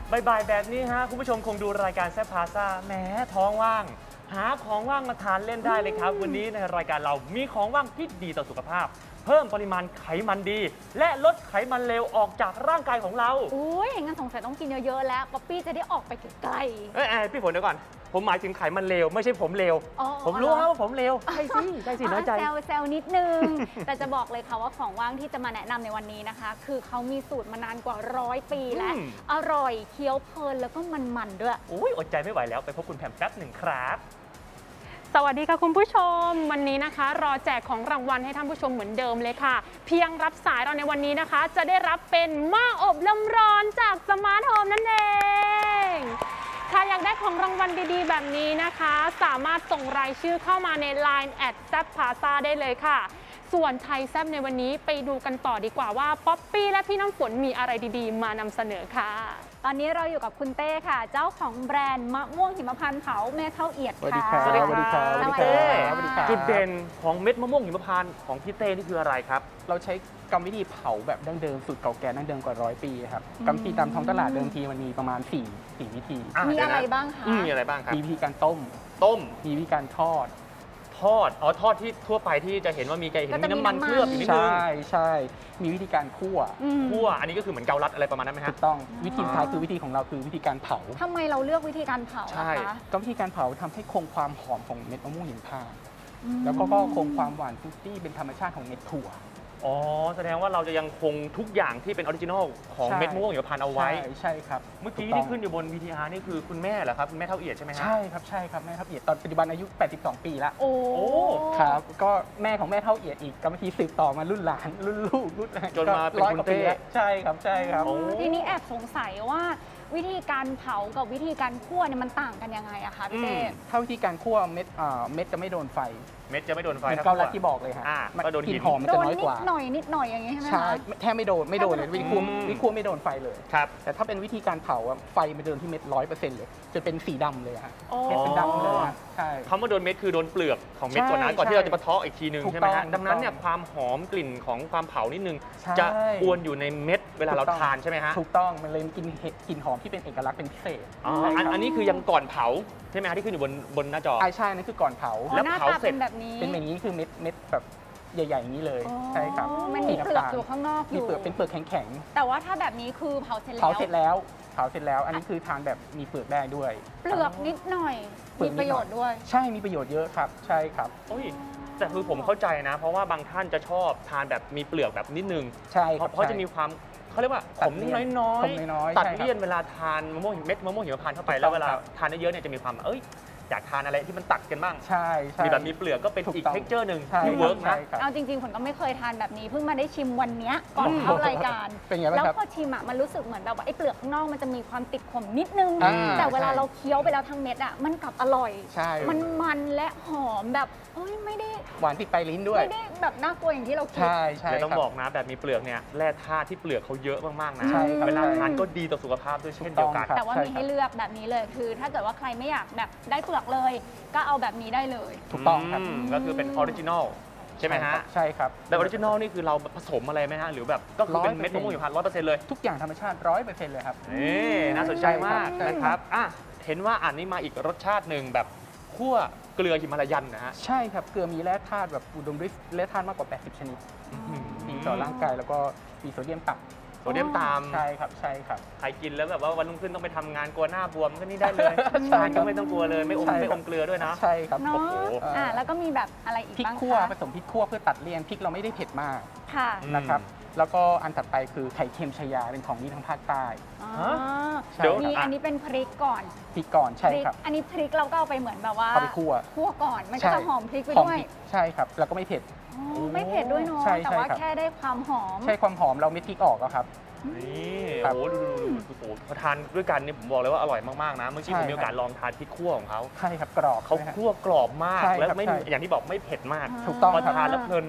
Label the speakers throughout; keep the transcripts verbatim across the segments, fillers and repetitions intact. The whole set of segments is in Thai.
Speaker 1: บ่ายๆแบบนี้ฮะคุณผู้ชมคงดูรายการแซ่บพาซ่าแหมท้องว่างหาของว่างมาทานเล่นได้เลยครับวันนี้ในรายการเรามีของว่างที่ดีต่อสุขภาพเพิ่มปริมาณไขมันดีและลดไขมันเลวออกจากร่างกายของเรา
Speaker 2: อุ้ยงั้นสงสัยต้องกินเยอะๆแล้วป๊อปปี้จะได้ออกไปไกล
Speaker 1: ๆเอ้ยพี่ฝนเดี๋ยวก่อนผมหมายถึงไขมันเลวไม่ใช่ผมเลวผมรู้ครับว่าผมเลวใช่สิใช่สิน้อยใจ
Speaker 2: แซวแซวนิดนึง แต่จะบอกเลยค่ะว่าของว่างที่จะมาแนะนำในวันนี้นะคะคือเขามีสูตรมานานกว่าร้อยปีแล้วอร่อยเคี้ยวเพลินแล้วก็มันๆด้วย
Speaker 1: อุ้ยอดใจไม่ไหวแล้วไปพบคุณแพมแป๊บหนึ่งครับ
Speaker 3: สวัสดีค่ะคุณผู้ชมวันนี้นะคะรอแจกของรางวัลให้ท่านผู้ชมเหมือนเดิมเลยค่ะเพียงรับสายเราในวันนี้นะคะจะได้รับเป็นหม้ออบลมร้อนจากสมาร์ทโฮมนั่นเองถ้าอยากได้ของรางวัลดีๆแบบนี้นะคะสามารถส่งรายชื่อเข้ามาใน ไลน์ แอท แซ่บพาซ่าได้เลยค่ะส่วนไทยแซ่บในวันนี้ไปดูกันต่อดีกว่าว่าป๊อปปี้และพี่น้ำฝนมีอะไรดีๆมานำเสนอค่ะ
Speaker 2: ตอนนี้เราอยู่กับคุณเต้ค่ะเจ้าของแบรนด์มะม่วงหิมพานต์เผาแม่เท่าเอียดค่ะ
Speaker 4: สวัสดีครับสวัสดีครับ
Speaker 2: สวัสดีครับ
Speaker 4: สวัสดีครับ
Speaker 1: จุดเด่นของเม็ดมะม่วงหิมพานต์ของพี่เต้นี่คืออะไรครับ
Speaker 4: เราใช้กรรมวิธีเผาแบบดั้งเดิมสูตรเก่าแก่ดั้งเดิมกว่าร้อยปีครับกรรมวิธีตามท้องตลาดเดิมทีมันมีประมาณ4 4วิธี
Speaker 2: มีอะไรบ้างคะ
Speaker 1: มีอะไรบ้างครับ
Speaker 4: มีวิธีการต้ม
Speaker 1: ต้ม
Speaker 4: มีวิธีการทอด
Speaker 1: ทอดอ๋อทอดที่ทั่วไปที่จะเห็นว่ามีไก่เห็นมีน้ำมันเคลือบอยู่นิดนึง
Speaker 4: ใช่ใช่มีวิธีการคั่ว
Speaker 1: คั่วอันนี้ก็คือเหมือนเกาลัดอะไรประมาณนั้นไหมฮะ
Speaker 4: ถูกต้องวิธีสุดท้ายคือวิธีของเราคือวิธีการเผา
Speaker 2: ทำไมเราเลือกวิธีการเผา
Speaker 1: ใช่
Speaker 4: ก็วิธีการเผาทำให้คงความหอมของเม็ดมะม่วงหิมพานต์แล้วก็คงความหวานฟรุตตี้เป็นธรรมชาติของเม็ดถั่ว
Speaker 1: อ๋อแสดงว่าเราจะยังคงทุกอย่างที่เป็นออริจินอลของเม็ดมะม่วงหิมพานต์เอาไว้
Speaker 4: ใช่ใช่ครับ
Speaker 1: เมื่อกี้ที่ขึ้นอยู่บน วี ที อาร์ นี่คือคุณแม่เหรอครับคุณแม่เท่าเอียดใช่ไหมฮะ
Speaker 4: ใช่ครับใช่ครับแม่เท่าเอียดตอนปัจจุบันอายุแปดสิบสองปีแล้ว
Speaker 2: โอ้
Speaker 4: ครับก็แม่ของแม่เท่าเอียดอีกกรรมวิธีสืบต่อมารุ่นหลานรุ่นลูกรุ่น
Speaker 1: จนมาเป็นคุณเต้
Speaker 4: ใช่ครับใช่ครับ
Speaker 2: ทีนี้แอบสงสัยว่าวิธีการเผากับวิธีการคั่วเนี่ยมันต่างกันยังไงอะคะพี่เต้
Speaker 4: ถ้าวิธีการคั่วเม็ดเม็ดจะไม่โดนไฟ
Speaker 1: เม็ดจะไม่โดนไฟ
Speaker 4: เกาลัดที่บอกเลยฮะกลิ่นหอมมันจะน้อยกว่า
Speaker 2: นิดหน่อยนิดหน่อยอย่างงี้ใช่ไหมคะ
Speaker 4: ใช่แทบไม่โดนไม่โดนเลยวิธีคั่ววิธีคั่วไม่โดนไฟเลย
Speaker 1: ครับ
Speaker 4: แต่ถ้าเป็นวิธีการเผาไฟมันโดนที่เม็ดร้อยเปอร์เซ็นต์เลยจะเป็นสีดำเลยฮะเม็ดเป็นดำเลยใช่
Speaker 1: คำว่าโดนเม็ดคือโดนเปลือกของเม็ดก่อนนะก่อนที่เราจะมาเทาะอีกทีนึงใช่ไหมฮะดังนั้นเนี่ยความหอมกลิ่นของความเผานิดนึงจะอวนอยู่ในเม็ดเวลาเราทานใช่ไหมฮะ
Speaker 4: ถูกต้องมันเลยกินกลิ่นหอมที่เป็นเอกลักษณ์เป็นพิเศษ
Speaker 1: อันนี้คือยังก่อนเผาใช่ไหมฮะที่ขึ้นอยู่บนบนหน้าจอ
Speaker 4: ใช่นั่นคือก่อนเผา
Speaker 2: แล้วเผาเสร็จแบบนี้
Speaker 4: เป็นแบบนี้คือเม็ดเม็ดแบบใหญ่ๆอย่างนี้เลยใช่ครับ
Speaker 2: มันมีเปลือกอยู่ข้างนอกอยู่
Speaker 4: มีเปลือกเป็นเปลือกแข็ง
Speaker 2: ๆแต่ว่าถ้าแบบนี้คือเผาเสร็จแล้ว
Speaker 4: เผาเสร็จแล้วเผาเสร็จแล้วอันนี้คือทานแบบมีเปลือกได้ด้วย
Speaker 2: เปลือกนิดหน่อยมีประโยชน์ด้วย
Speaker 4: ใช่มีประโยชน์เยอะครับใช่ครับ
Speaker 1: โอ้ยแต่คือผมเข้าใจนะเพราะว่าบางท่านจะชอบทานแบบมีเปลือกแบบนิดนึง
Speaker 4: ใช่ครับ
Speaker 1: เพราะจะมีความเขาเรียกว่าขมน้อยๆตัดเลี่ยนเวลาทานมะม่วงเม็ดมะม่วงหิมพานต์เข้าไปแล้วเวลาทานเยอะเนี่ยจะมีความเอ้ยอยากทานอะไรที่มันตัดกันบ้าง
Speaker 4: ใช่
Speaker 1: มีแบบมีเปลือกก็เป็นอีกเท็กเจอร์หนึ่งที่เวิร์กนะ
Speaker 2: เอาจริงๆผมก็ไม่เคยทานแบบนี้เพิ่งมาได้ชิมวันนี้ก่อนเข้ารายการแล้วพอชิมอ่ะมันรู้สึกเหมือนแบบว่าไอ้เปลือกข้างนอกมันจะมีความติดขมนิดนึงแต่เวลาเราเคี้ยวไปแล้วทั้งเม็ดอ่ะมันกลับอร่อยมันมันและหอมแบบเอ้ยไม่ได้
Speaker 4: หวานติดปลายลิ้นด้วย
Speaker 2: ไม่ได้แบบน่ากลัวอย่างที่เราคิด
Speaker 4: ใช่ใช่
Speaker 1: เลยต้องบอกนะแบบมีเปลือกเนี่ยแร่ธาตุที่เปลือกเขาเยอะมากๆนะเวลาทานก็ดีต่อสุขภาพด้วยเช่นเดียวกัน
Speaker 2: แต่ว่ามีให้เลือกแบบนี้เลยคือถ้าเกิดว่าใครไม่อยากแบบได้เปลือกเลยก็เอาแบบนี้ได้เลย
Speaker 4: ถูกต้องครับ
Speaker 1: ก็คือเป็นออริจินอลใช่ไหมฮะ
Speaker 4: ใช่ครับ
Speaker 1: แต่ออริจินอลนี่คือเราผสมอะไรไหมฮะหรือแบบก็คือเป็นเม็ดมะม่วงหิมพานต์ร้อยเปอร์เซ็นต์เลย
Speaker 4: ทุกอย่างธรรมชาติร้อยเปอร์เซ็นต์เลยครับ
Speaker 1: นี่น่าสนใจมากนะครับอ่ะเห็นว่าอันนี้มาอีกรสชาติหนึ่งแบบคั่วเกลือหิมาลายันนะฮะ
Speaker 4: ใช่ครับเกลือมีแร่ธาตุแบบอุดมด้วยแร่ธาตุมากกว่าแปดสิบชนิดดีต่อร่างกายแล้วก็มีโซเดียมต่ำ
Speaker 1: โซเดียมต่
Speaker 4: ำใช่ครับใช่ครับ
Speaker 1: ใครกินแล้วแบบว่าวันรุ่งขึ้นต้องไปทำงานกลัวหน้าบวมก็นี่ได้เลยทานก็ไม่ต้องกลัวเลยไม่อมไม่อมเกลือด้วยนะ
Speaker 4: ใช่ครับ
Speaker 2: โอ้โหอ่าแล้วก็มีแบบอะไรอีกบ้างคะ
Speaker 4: พริกคั่วผสมพริกคั่วเพื่อตัดเลี่ยนพริกเราไม่ได้เผ็ดมาก
Speaker 2: ค่ะ
Speaker 4: นะครับแล้วก็อันถัดไปคือไข่เค็มชายาเป็นของดีทางภาคใต้
Speaker 2: เดี๋ยวมีอันนี้เป็นพริกก่อน
Speaker 4: พริกก่อนใช่ครับ
Speaker 2: อันนี้พริกเราก็เอาไปเหมือนแบบว่า
Speaker 4: เอาไปคั่ว
Speaker 2: คั่วก่อนมันก็จะหอมพริกไปด้วย
Speaker 4: ใช่ครับแล้วก็ไม่เผ็ด
Speaker 2: ไม่เผ็ดด้วยเนาะแต่ว่าแค่ได้ความหอม
Speaker 4: ใช่ความหอมเราไม่พริกออกครับ
Speaker 1: นี่โอ้โหดูดูดูพอทานด้วยกันนี่ผมบอกเลยว่าอร่อยมากๆนะเมื่อกี้ผมมีโอกาสลองทานพริกคั่วของเขา
Speaker 4: ใช่ครับกรอบ
Speaker 1: เขาคั่วกรอบมากแล้วไม่อย่างที่บอกไม่เผ็ดมาก
Speaker 4: ถูกต้อง
Speaker 1: พอทานแล้วเพลิน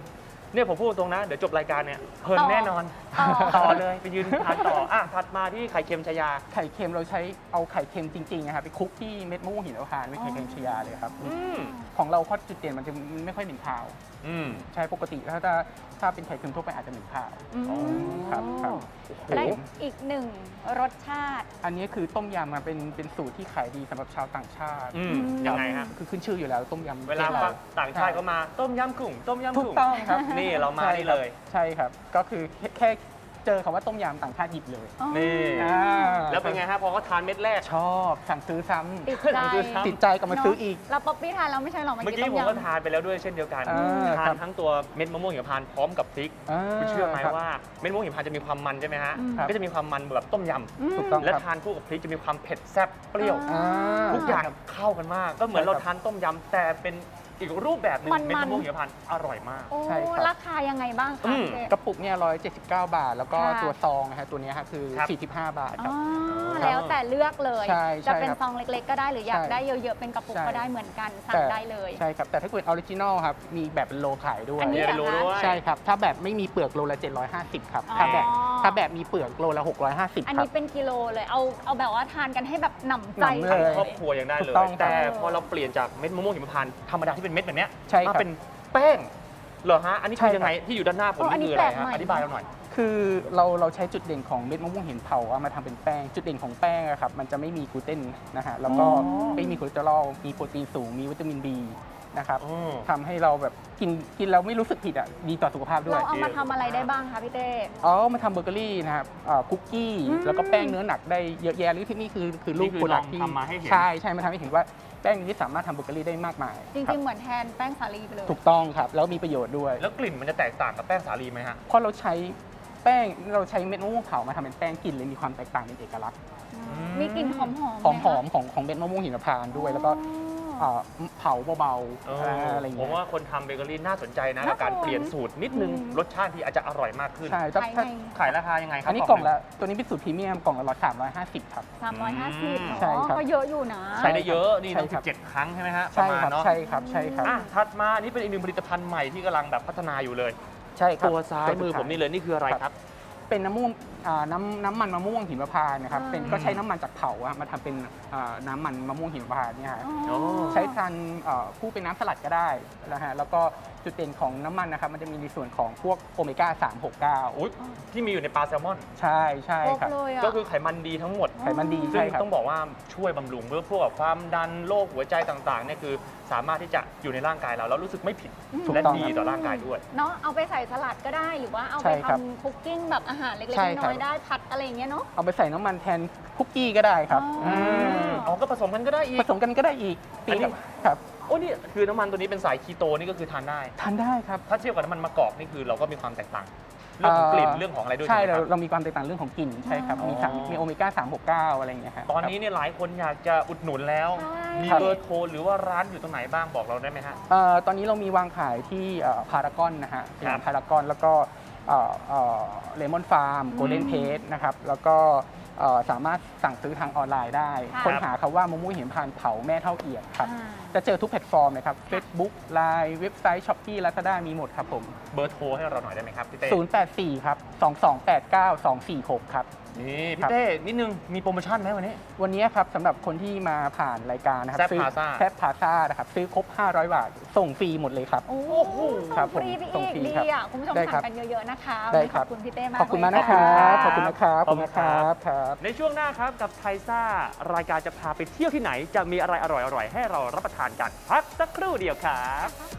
Speaker 1: เนี่ยผมพูดตรงนะ เดี๋ยวจบรายการเนี่ยเพลิน
Speaker 2: ต่อ
Speaker 1: แน่นอน
Speaker 2: ต่อ
Speaker 1: ต่อเลยไปยืนทานต่ออ่ะถัดมาที่ไข่เค็มชายา
Speaker 4: ไข่เค็มเราใช้เอาไข่เค็มจริงๆนะครับไปคลุกที่เม็ดมะม่วงหินพานต์ไม่ไข่เค็มชายาเลยครับ
Speaker 1: อืม
Speaker 4: ของเราข้อจุดเด่นมันจะไม่ค่อยเหม็นคาว
Speaker 1: อืม
Speaker 4: ใช่ปกติถ้าถ้าถ้าเป็นไข่เค็มทั่วไปอาจจะเหม็นคาว
Speaker 2: อืม
Speaker 4: ครับครับ
Speaker 2: และอีกหนึ่งรสชาติ
Speaker 4: อันนี้คือต้มยำมันเป็นเป็นสูตรที่ขายดีสำหรับชาวต่างชาติ
Speaker 1: อืมยังไงฮะ
Speaker 4: คือขึ้นชื่ออยู่แล้วต้มยำ
Speaker 1: เวลา
Speaker 4: ประทศร
Speaker 1: ต่างชาติก็มาต้มยำกุ้งต้มยำ
Speaker 4: ถู
Speaker 1: กุ้
Speaker 4: ก
Speaker 1: ง
Speaker 4: ต้องครับ
Speaker 1: นี่เรามา
Speaker 4: ใช่
Speaker 1: นี่
Speaker 4: ครับ
Speaker 1: เลย
Speaker 4: ใช่ครับ ก็คือแค่แค่เจอคำว่าต้มยำต่างชาติหยิบเลย
Speaker 1: นี่
Speaker 4: อ่า
Speaker 1: แล้วเป็นไงฮะพอเขาทานเม็ดแรก
Speaker 4: ชอบสั่งซื้อซ้
Speaker 2: ติดใจ
Speaker 1: คือซ้ำ
Speaker 4: ำติดใจกลับมาซื้ออีก
Speaker 2: แล้วป๊อปปี้ทานแล้วไม่ใช่หรอ
Speaker 1: เมื่
Speaker 2: เมื่
Speaker 1: อ
Speaker 2: อกี้
Speaker 1: กี้
Speaker 2: ต้ม
Speaker 1: ผมก็
Speaker 2: ยำ
Speaker 1: ทานไปแล้วด้วยเช่นเดียวกัน
Speaker 4: อ่า
Speaker 1: ทา
Speaker 4: ครั
Speaker 1: น
Speaker 4: บ
Speaker 1: ทั้งตัวเม็ดมะม่วงหิมพานต์พร้อมกับพริก
Speaker 4: อ่า
Speaker 1: คุณเชื่อไหม
Speaker 4: ครับ
Speaker 1: ว่าเม็ดมะม่วงหิมพานต์จะมีความมันใช่ไหมฮะ
Speaker 2: อืม
Speaker 1: ก็จะมีความมันแบบต้มย
Speaker 4: ถูกต้อง
Speaker 1: ำและ
Speaker 4: ครับ
Speaker 1: ทานคู่กับพริกจะมีความเผ็ดแซ่บเปรี้ยว
Speaker 2: อ่า
Speaker 4: อ่า
Speaker 1: ทุกอย่างเข้ากันมาก ก็เหมือน
Speaker 4: ใช่ครั
Speaker 1: เรา
Speaker 4: บ
Speaker 1: ทานต้มยำแต่เป็นอีกรูปแบบหนึง
Speaker 2: มันๆ
Speaker 1: เม็ดมะม่วงหิมพานต์อร่อยมาก
Speaker 2: โอ้
Speaker 4: ใช่ครับ
Speaker 2: ราคายังไงบ้าง
Speaker 1: อื
Speaker 2: คะ
Speaker 1: ม
Speaker 2: เจ๊
Speaker 4: กระปุกเนี่ยหนึ่งร้อยเจ็ดสิบเก้าบาท แล้วก็
Speaker 2: ค่ะ
Speaker 4: ตัวซองนะฮะตัวเนี้ยฮะคือ
Speaker 1: ครับ
Speaker 4: สี่สิบห้าบาทค
Speaker 2: อ๋
Speaker 4: รั
Speaker 2: อบ แล้วแต่เลือกเลย
Speaker 4: ใช่
Speaker 2: จะ
Speaker 4: ใช่
Speaker 2: เป็น
Speaker 4: ครับ
Speaker 2: ซองเล็กๆ ก็ได้หรืออยาก
Speaker 4: ใช่
Speaker 2: ได้เยอะๆ เป็นกระปุก
Speaker 4: ใช่
Speaker 2: ก็ได้เหมือนกันสั่ง
Speaker 4: แต่
Speaker 2: ได้เลย
Speaker 4: ใช่ครับ แต่ถ้าเกิดออริจินอลครับ มีแบบเป็นโลขายด้วย
Speaker 2: อันนี้
Speaker 1: เนี่ยเป็นโลด้วย
Speaker 4: ใช่ครับ ถ้าแบบไม่มีเปลือกโลละเจ็ดร้อยห้าสิบครับ
Speaker 2: อ๋อ
Speaker 4: ถ้าแบบถ้าแบบมีเปลือกโลละหกร้อยห้าสิบ
Speaker 2: อัน
Speaker 4: ครั
Speaker 2: นี้
Speaker 4: บ
Speaker 2: เป็นกิโลเลย เอาเอาแบบว่าทานกันให้แบบหนำใจ
Speaker 4: หนำเลย
Speaker 1: ครอบครัวยังได้เล
Speaker 4: ถู
Speaker 1: ย
Speaker 4: กต้องครับ
Speaker 1: แต่พอเราเปลี่ยนจากเม็ดมะม่วงหิมพานต์ธรรมดาที่เป็นเม็ดแบบเนี้ย
Speaker 4: ใช่ครับ
Speaker 1: มาเป็นแป้งเหรอฮะอันนี้
Speaker 4: ใช่
Speaker 1: คือ
Speaker 4: ครับ
Speaker 1: ยังไงที่อยู่ด้านหน้าผม
Speaker 2: อ๋ออัน
Speaker 1: นี่
Speaker 2: นี้
Speaker 1: คืออะไร
Speaker 2: แปลก
Speaker 1: ฮะ
Speaker 2: ใหม่
Speaker 1: อธิบายเราหน่อย
Speaker 4: คือเราเราใช้จุดเด่นของเม็ดมะม่วงหินเผาเอามาทำเป็นแป้ง จุดเด่นของแป้งอะครับมันจะไม่มีกลูเตนนะฮะแล้วก็
Speaker 2: อ๋อ
Speaker 4: ไม่มีคอเลสเตอรอลมีโปรตีนสูงมีวิตามิน B นะครับ
Speaker 1: อืม
Speaker 4: ทำให้เราแบบกินกินแล้วไม่รู้สึกผิดอ่ะดีต่อสุขภาพด้วย
Speaker 2: เราเอามาทำอะไรได้บ้างคะพี่เต้
Speaker 4: อ๋อมาทำเบเกอรี่นะครับอ่าคุกกี้
Speaker 2: อืม
Speaker 4: แล้วก็แป้งเนื้อหนักได้เยอะแยะหรือที่นี่คือคือรูป
Speaker 1: นี่คือ
Speaker 4: โปรดัก
Speaker 1: ลอง
Speaker 4: ที่
Speaker 1: ทำมาให้เห็น
Speaker 4: ใช่ใช่มาทำให้เห็นว่าแป้งนี้สามารถทำเบเกอรี่ได้มากมาย
Speaker 2: จ
Speaker 4: ครั
Speaker 2: ริ
Speaker 4: บ
Speaker 2: งๆ เหมือนแทนแป้งสาลีไปเลย
Speaker 4: ถูกต้องครับแล้วมีประโยชน์ด้วย
Speaker 1: แล้วกลิ่นมันจะแตกต่างกับแป้งสาลีไหมฮะ
Speaker 4: เพราะเราใช้แป้งเราใช้เม็ดมะม่วงเผามาทำเป็นแป้งกลิ่นเลยมีความแตกต่างเป็นเอกลักษณ์
Speaker 1: ม
Speaker 2: มีกลิ่นหอมๆ
Speaker 4: หอม
Speaker 2: ไห
Speaker 4: หอ
Speaker 2: คะ
Speaker 4: มของของเม็ดมะม่วงหิมพานต์ด้วย แล้วก็
Speaker 2: อ๋อ
Speaker 4: อ่าเผาเบา
Speaker 1: เอ
Speaker 4: ๆ
Speaker 1: อ
Speaker 4: อ่าอะไร
Speaker 1: ผ
Speaker 4: เงี้
Speaker 1: ม
Speaker 4: ย
Speaker 1: ว่าคนทำเบเกอรี่น่าสนใจนะ
Speaker 2: น่า
Speaker 1: กับการ
Speaker 2: สน
Speaker 1: เปลี่ยนสูตรนิดนึง
Speaker 2: อืม
Speaker 1: รสชาติที่อาจจะอร่อยมากขึ้น
Speaker 4: ใช่ถ้า
Speaker 2: ขาย
Speaker 4: ถ้า
Speaker 2: ไง
Speaker 1: ขายราคายังไงครับ
Speaker 4: อันนี้กล่องละตัวนี้เป็นสูตรพรีเมียมกล่องละร้อยสามร้อยห้าสิบครับ
Speaker 2: สามร้อยห้าสิบ
Speaker 1: อืม
Speaker 4: ใช่ครับ
Speaker 2: ก็เยอะอยู่นะ
Speaker 1: ใช้ได้เยอะนี่
Speaker 4: ใช่
Speaker 1: ต้อง
Speaker 4: ครับ
Speaker 1: สิบเจ็ดครั้งใช่ไหมฮะป
Speaker 4: ใช่
Speaker 1: ระมาณ
Speaker 4: ครับ
Speaker 1: เนาะ
Speaker 4: ใช่ครับใช่ครับ
Speaker 1: อ่ะถัดมาอันนี่เป็นอีกหนึ่งผลิตภัณฑ์ใหม่ที่กำลังแบบพัฒนาอยู่เลย
Speaker 4: ใช่ครับ
Speaker 1: ตัวซ้ายมือผมนี่เลยนี่คืออะไร
Speaker 4: ครับ
Speaker 1: ครับ
Speaker 4: เป็นน้ำม่วงอ่าน้ำน้ำมันมะม่วงหิมพานต์นะครับ
Speaker 2: อ่า
Speaker 4: เป็นก็ใช้น้ำมันจากเผาอะมาทำเป็นอ่าน้ำมันมะม่วงหิมพานต์เนี่ยฮะ
Speaker 2: อ๋อ
Speaker 4: ใช้ทานเอ่อคู่เป็นน้ำสลัดก็ได้นะฮะแล้วก็จุดเด่นของน้ำมันนะครับมันจะมีในส่วนของพวกโอเมก้าสาม หก เก้า
Speaker 1: อุ๊ยที่มีอยู่ในปลาแซลมอน
Speaker 4: ใช่ใช่
Speaker 2: ครบ
Speaker 4: ครับ
Speaker 2: เลยอ่ะ
Speaker 1: ก็คือไขมันดีทั้งหมด
Speaker 4: ไขมันดี
Speaker 1: ซึ่ง
Speaker 4: ใช่ครับ
Speaker 1: ต้องบอกว่าช่วยบำรุงเมื่อพวกแบบความดันโรคหัวใจต่างๆเนี่ยคือสามารถที่จะอยู่ในร่างกายเราแล้วรู้สึกไม่ผิด
Speaker 4: ถูก
Speaker 1: และ
Speaker 4: ต้อง
Speaker 1: ดี
Speaker 4: ครับ
Speaker 1: ต่อร่างกายด้วย
Speaker 2: เนาะเอาไปใส่สลัดก็ได้หรือว่าเอา
Speaker 4: ใช่
Speaker 2: ไป
Speaker 4: ครับ
Speaker 2: ทำคุกกิ้งแบบอาหารเล็ก
Speaker 4: ใช่
Speaker 2: ๆ
Speaker 4: ครั
Speaker 2: น้
Speaker 4: บ
Speaker 2: อยๆได้ผัดอะไรอย่างเงี้ยเนาะ
Speaker 4: เอาไปใส่น้ำมันแทนคุกกี้ก็ได้ครับ
Speaker 2: อ๋ออื
Speaker 4: ม
Speaker 1: อ๋อก็ผสมกันก็ได้อีก
Speaker 4: ผสมกันก็ได้อีกตี
Speaker 1: อันนี้
Speaker 4: กับครับ
Speaker 1: โอ้นี่คือน้ำมันตัวนี้เป็นสายคีโตนี่ก็คือทานได้
Speaker 4: ทานได้ครับ
Speaker 1: ถ้าเทียบกับน้ำมันมะกอกนี่คือเราก็มีความแตกต่าง เรื่องของกลิ่นเรื่องของอะไรด้วย
Speaker 4: ใช่
Speaker 1: ใช่ไหม
Speaker 4: เรา
Speaker 1: ครับ
Speaker 4: เรามีความแตกต่างเรื่องของกลิ่นใช่ครับ
Speaker 2: อ๋อ
Speaker 4: มีทั้งมีโอเมก้าสาม หก เก้าอะไรอย่างเงี้ยฮะ
Speaker 1: ตอนนี้เนี่ยหลายคนอยากจะอุดหนุนแล้ว
Speaker 2: ใช่
Speaker 1: มีเบอร์โทรหรือว่าร้านอยู่ตรงไหนบ้างบอกเราได้ไหมฮะ
Speaker 4: เอ่อตอนนี้เรามีวางขายที่พารากอนนะฮะส
Speaker 1: ครั
Speaker 4: ยา
Speaker 1: บ
Speaker 4: มพารากอนแล้วก็เลมอนฟาร์มโกลเด้นเพจนะครับแล้วก็เอ่อสามารถสั่งซื้อทางออนไลน์ได้
Speaker 2: ค่ะ
Speaker 4: ค้นหาคำว่ามะม่วงหิมพานต์เผาแม่เท่าเอียดครับ
Speaker 2: อ่า
Speaker 4: จะเจอทุกแพลตฟอร์มเลยครับ Facebook ไลน์ เว็บไซต์ Shopee Lazada มีหมดครับผม
Speaker 1: เบอร์โทรให้เราหน่อยได้ไหมครับพี่เต้
Speaker 4: ศูนย์ แปด สี่ ครับ สอง สอง แปด เก้า สอง สี่ หก ครับ
Speaker 1: นี่
Speaker 4: ครั
Speaker 1: พี่
Speaker 4: บ
Speaker 1: เต้นิดนึงมีโปรโมชั่นไหมวันนี้
Speaker 4: วันนี้ครับสำหรับคนที่มาผ่านรายการนะครับ
Speaker 1: แซ่บ
Speaker 4: ซื้อ
Speaker 1: Plaza
Speaker 4: แซ่บพาซ่านะครับซื้อครบ ห้าร้อย บาท ส่งฟรีหมดเลยครับ
Speaker 2: โอ้โห
Speaker 4: ครับ
Speaker 2: ส่งฟรีไป
Speaker 4: ผมส่ง
Speaker 2: อีก
Speaker 4: ฟรี
Speaker 2: ดี
Speaker 4: ครับ
Speaker 2: อ่ะคุณผู้ชม
Speaker 4: ได้ครั
Speaker 2: สั่
Speaker 4: บ
Speaker 2: งกันเยอะๆนะคะ
Speaker 4: ได้
Speaker 2: วันนี้
Speaker 4: ค
Speaker 2: ข
Speaker 4: รั
Speaker 2: อ
Speaker 4: บบ
Speaker 2: คุณพี่เต้มาก
Speaker 4: ขอบคุณ
Speaker 2: เลย
Speaker 4: มากนะครับ
Speaker 1: ข
Speaker 4: ข
Speaker 1: อ
Speaker 4: อ
Speaker 1: บบ คุ
Speaker 4: คุณ ณ
Speaker 1: ค
Speaker 4: นะ
Speaker 1: รั
Speaker 4: ครับ บขอบคุณนะครับครับ
Speaker 1: ในช่วงหน้าครับกับไทซ่ารายการจะพาไปเที่ยวที่ไหน จะมีอะไรอร่อยๆให้เรารับประทานกันพักสักครู่เดียวครับ